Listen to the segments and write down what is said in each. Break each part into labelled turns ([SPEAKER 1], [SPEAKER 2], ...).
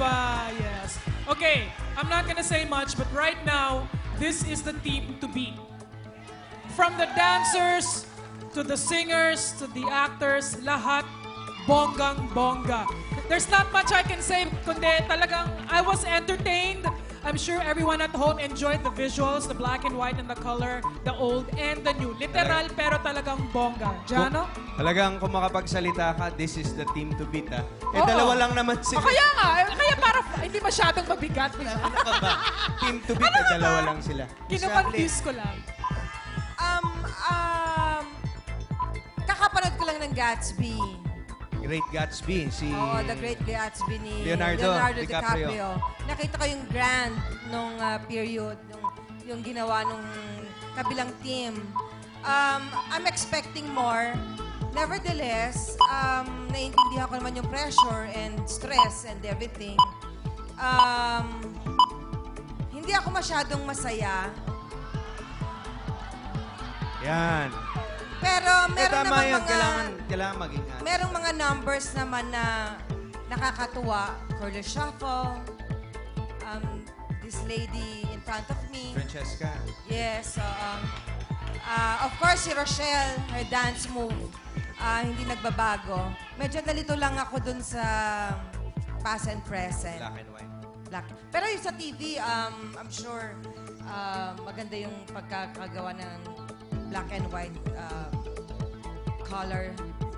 [SPEAKER 1] ba? Yes. Okay, I'm not gonna say much, but right now, this is the team to beat. From the dancers, to the singers, to the actors, lahat bonggang-bongga. There's not much I can say, kundi talagang I was entertained. I'm sure everyone at home enjoyed the visuals, the black and white and the color, the old and the new. Literal, pero talagang bongga. Jano?
[SPEAKER 2] Talagang kung makapagsalita ka, this is the team to beat, ah. Eh,
[SPEAKER 1] Oo.
[SPEAKER 2] dalawa lang naman sila.
[SPEAKER 1] Kaya nga, kaya para hindi masyadong mabigat.
[SPEAKER 2] Ano ka ba? Team to beat, eh, dalawa lang sila.
[SPEAKER 1] Kinukondis ko lang.
[SPEAKER 3] Kakapanood ko lang ng Gatsby.
[SPEAKER 2] Great Gatsby, si...
[SPEAKER 3] Oo, The Great Gatsby ni
[SPEAKER 2] Leonardo DiCaprio.
[SPEAKER 3] DiCaprio. Nakita ko yung grand nung period, yung ginawa nung kabilang team. I'm expecting more. Nevertheless, naiintindihan ko naman yung pressure and stress and everything. Hindi ako masyadong masaya.
[SPEAKER 2] Yan.
[SPEAKER 3] Pero meron
[SPEAKER 2] Tama
[SPEAKER 3] naman
[SPEAKER 2] yun.
[SPEAKER 3] mga...
[SPEAKER 2] Kailangan maging...
[SPEAKER 3] Merong mga numbers naman na nakakatuwa. Curly Shuffle, this lady in front of me.
[SPEAKER 2] Francesca.
[SPEAKER 3] Yes. Of course, si Rochelle, her dance move, hindi nagbabago. Medyo nalito lang ako dun sa past and present.
[SPEAKER 2] Black and white.
[SPEAKER 3] Pero yung sa TV, I'm sure maganda yung pagkakagawa ng black and white color.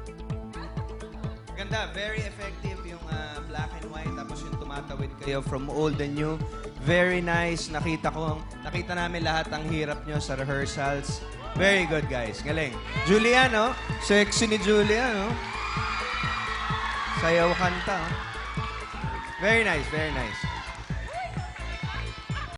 [SPEAKER 2] Ganda, very effective yung black and white. Tapos yung tumatawid kayo from old and new. Very nice. Nakita namin lahat ang hirap nyo sa rehearsals. Very good, guys. Galing. Julia, no? Sexy ni Julia, no? Sayaw kanta, oh. Very nice, very nice.